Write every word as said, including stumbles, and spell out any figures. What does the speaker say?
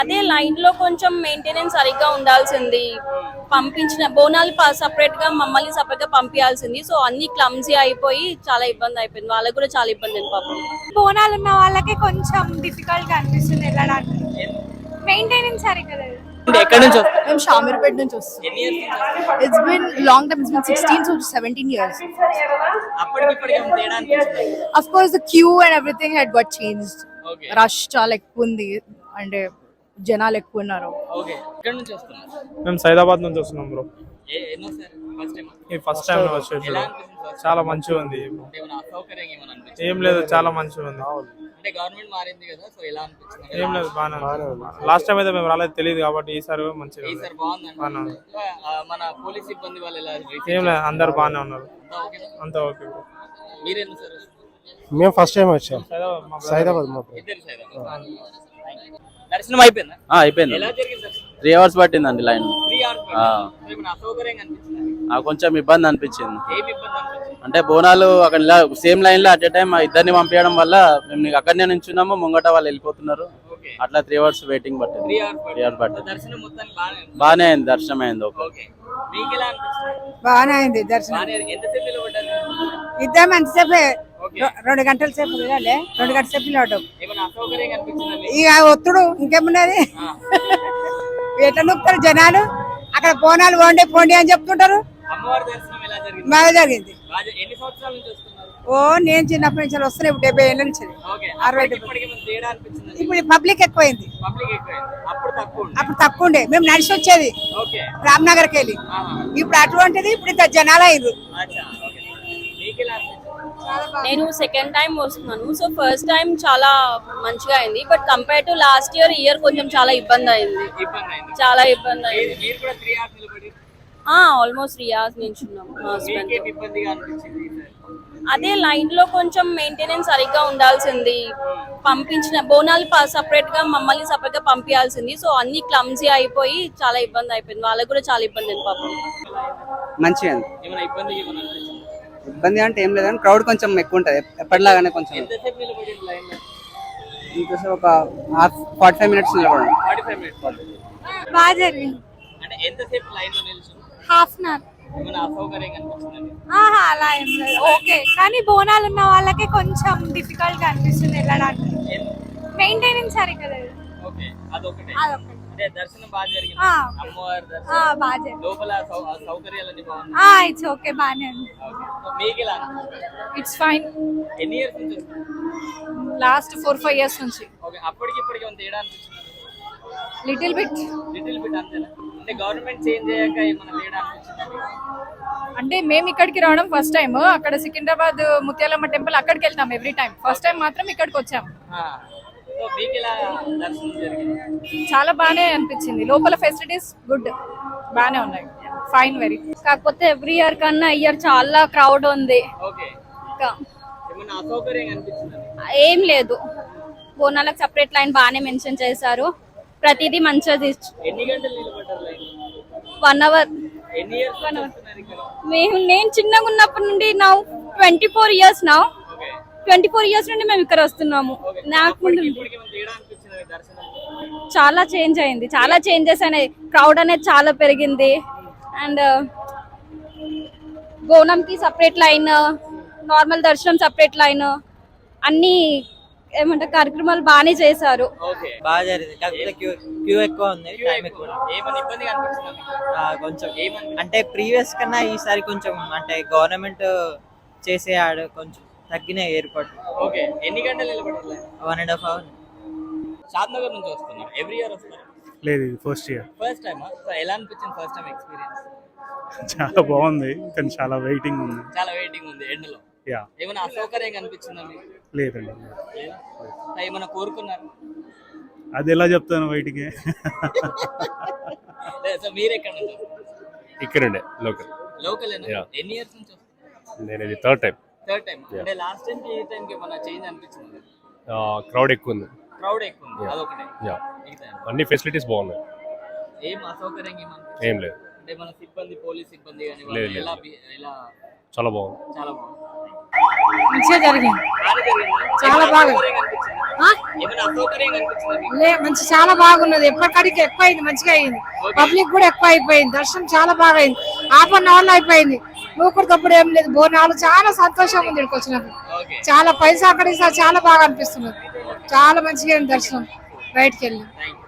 అదే లైన్ లో కొంచెం మెయింటెనెన్స్ సరిగ్గా ఉండాల్సింది. పంపించిన బోనాలు సపరేట్ గా మమ్మల్ని సపరేట్ గా పంపించాల్సింది. సో అన్ని క్లమ్జీ అయిపోయి చాలా ఇబ్బంది అయిపోయింది. వాళ్ళకి కూడా చాలా ఇబ్బంది అయింది పాపం. బోనాలు ఉన్న వాళ్ళకి కొంచెం డిఫికల్ట్ గా అనిపిస్తుంది వెళ్ళడానికి. మెయింటెనెన్స్ సరిగ్గా లేదు. ఎక్కడి నుంచి మేము షామీర్పేట నుంచి వస్తాం. It's been long time, it's been sixteen to seventeen years. Of course the queue and everything had got changed. Rush చాలా ఎక్కువ ఉంది, అంటే జనాలు ఎక్కువ ఉన్నారు. మేము సైదాబాద్ నుంచి వస్తున్నాం బ్రో. ఈ ఫస్ట్ టైం వచ్చేసి చాలా మంచిగా ఉంది. ఏం లేదు, చాలా మంచిగా ఉంది. ఏం లేదు, బాగానే. లాస్ట్ టైం అయితే మేము రాలేదు, తెలియదు కాబట్టి ఈసారి మంచిగా ఏం లేదు, అందరు బాగానే ఉన్నారు. అంతా ఓకే బ్రో. మేము ఫస్ట్ టైం వచ్చాం సైదాబాద్. దర్శనం అయిపోయిందా? అయిపోయింది. త్రీ అవర్స్ పట్టిందండి లైన్. కొంచెం ఇబ్బంది అనిపించింది. అంటే బోనాలు అక్కడ సేమ్ లైన్ లో అట్ ఏ టైం ఇద్దరిని పంపించడం వల్ల మేము నీకు అక్కడనే నుంచున్నాము, ముంగట వాళ్ళు వెళ్ళిపోతున్నారు. అట్లా త్రీ అవర్స్ వెయిటింగ్ పట్టింది. త్రీ అవర్స్ పట్టింది. బాగానే అయింది, దర్శనం అయింది. ఓకే, బాగానే అయింది దర్శనం. ఇద్దరం ఎంతసేపు? రెండు గంటల సేపు వెళ్ళాలి, రెండు గంటల సేపు నిలబడ్డాం. ఇక ఒత్తుడు ఇంకేమున్నది, ఎట్లా నొక్కుతారు జనాలు. అక్కడ బోనాలు పోండి పోండి అని చెప్తుంటారు. బాగా జరిగింది. ఓ నేను చిన్నప్పటి నుంచి వస్తున్నాయి, ఇప్పుడు డెబ్బై ఏళ్ళ నుంచి, అరవై ఇప్పుడు పబ్లిక్ ఎక్కువైంది. అప్పుడు తక్కువ ఉండే, మేము నడిచి వచ్చేది రామ్నగర్కి వెళ్ళి. ఇప్పుడు అటువంటిది ఇప్పుడు ఇంత జనాలు అయ్యారు. నేను సెకండ్ టైం వస్తున్నాను. సో ఫస్ట్ టైం చాలా మంచిగా అయింది, but compare to last year year కొంచెం చాలా ఇబ్బంది అయింది. చాలా ఇబ్బంది అయింది. ఆల్మోస్ట్ త్రీ అవర్స్ నుంచి ఉన్నాము. అదే లైన్ లో కొంచెం మెయింటెనెన్స్ సరిగ్గా ఉండాల్సింది. పంపించిన బోనాలు సపరేట్ గా మమ్మల్ని సపరేట్ గా పంపించాల్సింది. సో అన్ని క్లమ్జీ అయిపోయి చాలా ఇబ్బంది అయిపోయింది. వాళ్ళకి కూడా చాలా ఇబ్బంది అయింది పాపం. మంచిగా ఇబ్బంది అంటే ఏం లేదని, క్రౌడ్ కొంచెం ఎక్కువ ఉంటది ఎప్పటిలాగానే. కొంచెం ఇంకోసేపు ఒక హాఫ్ ఫార్టీ ఫైవ్ మినిట్స్ నిలబడండి. బాగా జరిగింది. హాఫ్ అన్ అవర్ అలా ఏం లేదు, ఓకే. కానీ బోనాలు ఉన్న వాళ్ళకి కొంచెం డిఫికల్ట్ గా అనిపిస్తుంది వెళ్ళడానికి. మెయింటెనెన్స్ సరిగ్గా లేదు. అదొకటి. ఇట్స్ ఓకే, బాగానే ఉంది. It's fine. Last four five years నుంచి. Little bit. అంటే మేము ఇక్కడికి రావడం ఫస్ట్ టైం. అక్కడ సికింద్రాబాద్ ముత్యాలమ్మ టెంపుల్ అక్కడికి వెళ్తాం ఎవ్రీ టైం. ఫస్ట్ టైం మాత్రం ఇక్కడికి వచ్చాము. చాలా బాగానే అనిపించింది. లోపల ఫెసిలిటీస్ గుడ్, బాగానే ఉన్నాయి. Fine, very. కాకపోతే ఎవ్రీ ఇయర్ కన్నా ఇయర్ చాలా క్రౌడ్ ఉంది. ఏం లేదు, బోనాలకు సపరేట్ లైన్ బాగానే మెన్షన్ చేశారు. ప్రతిదీ మంచిగా. One hour. మేము నేను చిన్నగా ఉన్నప్పటి నుండి నా ట్వంటీ ఫోర్ ఇయర్స్ నా ట్వంటీ ఫోర్ ఇయర్స్ నుండి మేము ఇక్కడ వస్తున్నాము. నాకు చాలా చేంజ్ అయింది, చాలా చేంజెస్ అయినాయి. క్రౌడ్ అనేది చాలా పెరిగింది. అండ్ బోనంకి సపరేట్ లైన్, నార్మల్ దర్శనం సపరేట్ లైన్, అన్ని ఏమంటారు కార్యక్రమాలు బాగానే చేశారు. బాగా జరిగింది. కాకపోతే క్యూ క్యూ ఎక్కువ ఉంది, టైం ఎక్కువ. కొంచెం అంటే ప్రీవియస్ కన్నా ఈసారి కొంచెం అంటే గవర్నమెంట్ చేసే ఆడ కొంచెం తగ్గిన ఏర్పాటు. ఓకే, ఎన్ని గంటలు నిలబడాలి? One and half hour. Shadnagar నుంచి వస్తున్నారు. ఎవ్రీ ఇయర్ వస్తారు? లేదు, first year. First time. So ఎలా అనిపించింది ఫస్ట్ టైం ఎక్స్పీరియన్స్? చాలా బాగుంది, కానీ చాలా వెయిటింగ్ ఉంది. చాలా వెయిటింగ్ ఉంది ఎండలో. యా. ఏమైనా అసౌకర్యంగా అనిపించిందా మీకు? లేదండి. ఏమైనా కోరుకున్నారు? అది ఎలా చెప్తాను బయటికి. సో మీరు ఎక్కడ నుంచి? ఇక్కడండి, లోకల్. లోకల్. ఎన్ని ఇయర్స్ నుంచి వస్తారు? నేను ఇది థర్డ్ టైం. Third time. అంటే లాస్ట్ టైం కి ఈ టైం కి ఏమైనా చేంజ్ అనిపించింది? క్రౌడ్ ఎక్కువ ఉంది. క్రౌడ్ ఎక్కువ ఉంది, అదొకటే. యా, అన్ని ఫెసిలిటీస్ బాగున్నాయి. ఏం అసౌకర్యంగా ఏమనిపించింది? ఏం లేదు. అంటే మన సిబ్బంది, పోలీస్ సిబ్బంది కానీ ఎలా ఎలా చాలా బాగుంది. చాలా బాగుంది. మంచిగా జరిగింది. బాగానే జరిగిందా? చాలా ఏమైనా బాగా. అసౌకర్యం కనిపించిందా? ఏమైనా అసౌకర్యం కనిపించిందా మీకు? లే మంచి చాలా బాగున్నది. ఎప్పటికడికి ఎక్కువ అయింది, మంచిగా అయింది. పబ్లిక్ కూడా ఎక్కువ అయిపోయింది. దర్శనం చాలా బాగా అయింది. హాఫ్ అన్ అవర్ లో అయిపోయింది. నూకుడు తప్పుడు ఏం లేదు. బోనాలు చాలా సంతోషంగా ఉంది ఇక్కడికి వచ్చినప్పుడు. ఓకే. చాలా పైసా అక్కడ ఇస్తా చాలా బాగా అనిపిస్తున్నది. చాలా మంచిగా అయింది దర్శనం బయటికి వెళ్ళి. Thank you.